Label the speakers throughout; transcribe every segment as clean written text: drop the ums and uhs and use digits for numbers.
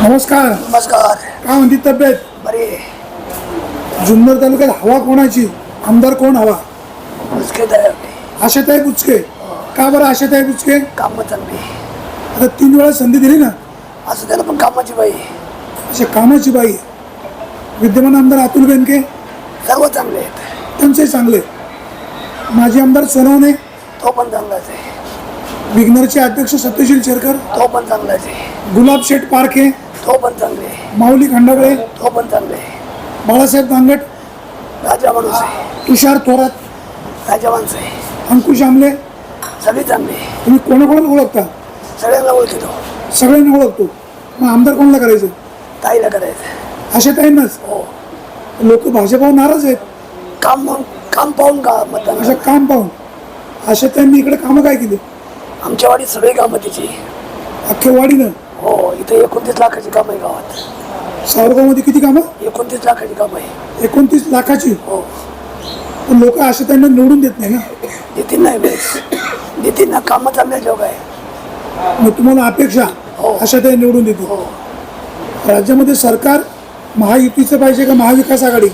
Speaker 1: नमस्कार.
Speaker 2: नमस्कार.
Speaker 1: काय म्हणती तब्येत?
Speaker 2: बरे.
Speaker 1: जुन्नर तालुक्यात हवा कोणाची? आमदार कोण हवा?
Speaker 2: बुचके तयार
Speaker 1: आशाताई बुचके. का बरं आशाताई बुचके?
Speaker 2: काम चांगली.
Speaker 1: आता 3 वेळा संधी दिली ना.
Speaker 2: असं त्याला पण कामाची बाई.
Speaker 1: अशा कामाची बाई. विद्यमान आमदार अतुल बेनके
Speaker 2: सर्व चांगले आहेत.
Speaker 1: त्यांचे चांगले. माजी आमदार सोनवणे,
Speaker 2: तो पण चांगलाच आहे.
Speaker 1: विघ्नरचे अध्यक्ष सत्यशील शेरकर,
Speaker 2: तो पण चांगलाच आहे.
Speaker 1: गुलाब शेठ पारखे,
Speaker 2: तो पण चांगले आहे.
Speaker 1: माऊली खंडागळे,
Speaker 2: तो पण चांगले आहे.
Speaker 1: बाळासाहेब दांगट,
Speaker 2: राजा माणूस आहे.
Speaker 1: तुषार थोरात,
Speaker 2: राजा माणूस आहे.
Speaker 1: अंकुश आमले.
Speaker 2: सगळे चांगले आहे.
Speaker 1: तुम्ही कोणाकोणाला ओळखता?
Speaker 2: सगळ्यांना ओळखतो.
Speaker 1: सगळ्यांना ओळखतो. मग आमदार कोणाला करायचं?
Speaker 2: ताईला करायचं.
Speaker 1: आशाताईंनाच.
Speaker 2: हो.
Speaker 1: लोक भाजपावर नाराज आहेत.
Speaker 2: काम पाहून का मतदान.
Speaker 1: असं काम पाहून. आशाताईंनी इकडे कामं काय केली?
Speaker 2: आमच्या वाडीत सगळी कामं तिची.
Speaker 1: अख्ख्या वाडीनं.
Speaker 2: हो. इथे 29 लाखाची कामं आहे गावात.
Speaker 1: सावरगावमध्ये किती कामं?
Speaker 2: 29 लाखाची कामं आहे.
Speaker 1: 29 लाखाची.
Speaker 2: हो.
Speaker 1: पण लोक आशाताईंना निवडून देत नाही ना.
Speaker 2: नितीन नाही बेस. नितीनना कामं चांगले लोक आहे.
Speaker 1: मग तुम्हाला अपेक्षा
Speaker 2: हो.
Speaker 1: आशाताई निवडून देते.
Speaker 2: हो.
Speaker 1: राज्यामध्ये सरकार महायुतीचं पाहिजे का महाविकास आघाडी?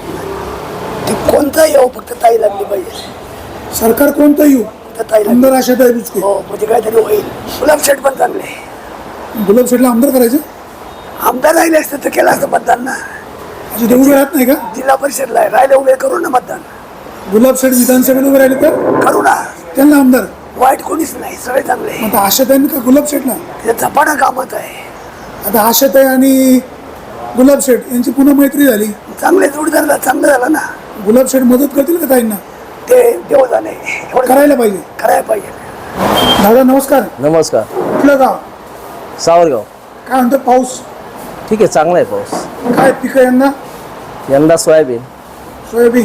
Speaker 2: ते कोणता येऊ फक्त ताई लागली पाहिजे.
Speaker 1: सरकार कोणतं येऊ?
Speaker 2: फक्त ताई लागली.
Speaker 1: आमदार आशाताई बुचके.
Speaker 2: हो. म्हणजे काहीतरी होईल. गुलाब शेठ पण चांगले.
Speaker 1: गुलाब शेठला आमदार करायचं?
Speaker 2: आमदार राहिले असते तर केलं असतं मतदान ना.
Speaker 1: असे ते उभे राहत नाही का?
Speaker 2: जिल्हा परिषदला राहिले उभे करू ना मतदान.
Speaker 1: गुलाब शेठ विधानसभेला उभे राहिले तर
Speaker 2: करू ना.
Speaker 1: त्यांना आमदार.
Speaker 2: वाईट कोणीच नाही. सगळे चांगले.
Speaker 1: आता आशाताईंनी का गुलाब शेठला?
Speaker 2: ते झपाटा कामच आहे.
Speaker 1: आता आशाताई आणि गुलाब शेठ यांची पुन्हा मैत्री झाली.
Speaker 2: चांगले जोडीदारला चांगलं झालं ना.
Speaker 1: गुलाब शेठ मदत करतील का ताईंना?
Speaker 2: ते देव झाले. एवढं
Speaker 1: करायला पाहिजे.
Speaker 2: करायला पाहिजे.
Speaker 1: दादा नमस्कार.
Speaker 3: नमस्कार.
Speaker 1: कुठलं गाव?
Speaker 3: सावरगाव.
Speaker 1: काय म्हणतो पाऊस?
Speaker 3: ठीक आहे, चांगला आहे पाऊस.
Speaker 1: काय पिकं
Speaker 3: यंदा सोयाबीन
Speaker 1: सोयाबीन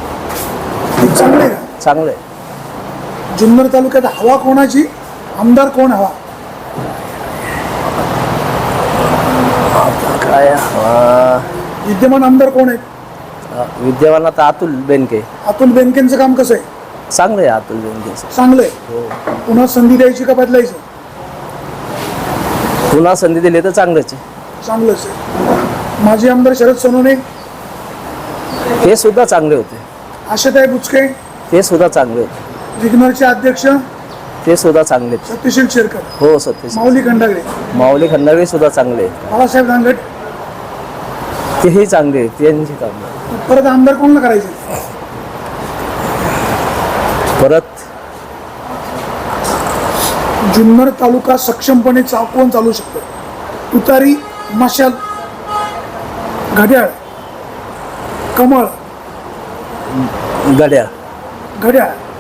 Speaker 1: पीक चांगलं आहे का?
Speaker 3: चांगलं आहे.
Speaker 1: जुन्नर तालुक्यात हवा कोणाची? आमदार कोण हवा?
Speaker 3: काय
Speaker 1: विद्यमान आमदार कोण आहेत?
Speaker 3: विद्यमान आता अतुल बेनके.
Speaker 1: अतुल बेनकेंचं काम कसं आहे?
Speaker 3: चांगलं आहे अतुल बेनकेचं.
Speaker 1: चांगलं आहे. पुन्हा संधी द्यायची का बदलायचं?
Speaker 3: पुन्हा संधी दिली तर चांगलंच आहे.
Speaker 1: चांगलंच आहे. माजी आमदार शरद सोनवणे,
Speaker 3: ते सुद्धा चांगले होते.
Speaker 1: आशाताई बुचके,
Speaker 3: ते सुद्धा चांगले होते.
Speaker 1: विघ्नरचे अध्यक्ष
Speaker 3: ते सुद्धा चांगले आहेत.
Speaker 1: सत्यशील शेरकर,
Speaker 3: हो सत्यशील.
Speaker 1: माऊली खंडागळे,
Speaker 3: माऊली खंडागळे सुद्धा चांगले आहेत.
Speaker 1: बाळासाहेब दांगट.
Speaker 3: तेही चांगले आहेत. त्यांची कामं
Speaker 1: परत आमदार कोणाला करायचं?
Speaker 3: परत
Speaker 1: जुन्नर तालुका सक्षमपणे कोण चालू शकतो? तुतारी, मशाल, घड्याळ, कमळ.
Speaker 3: गड्या.
Speaker 1: घड्याळ.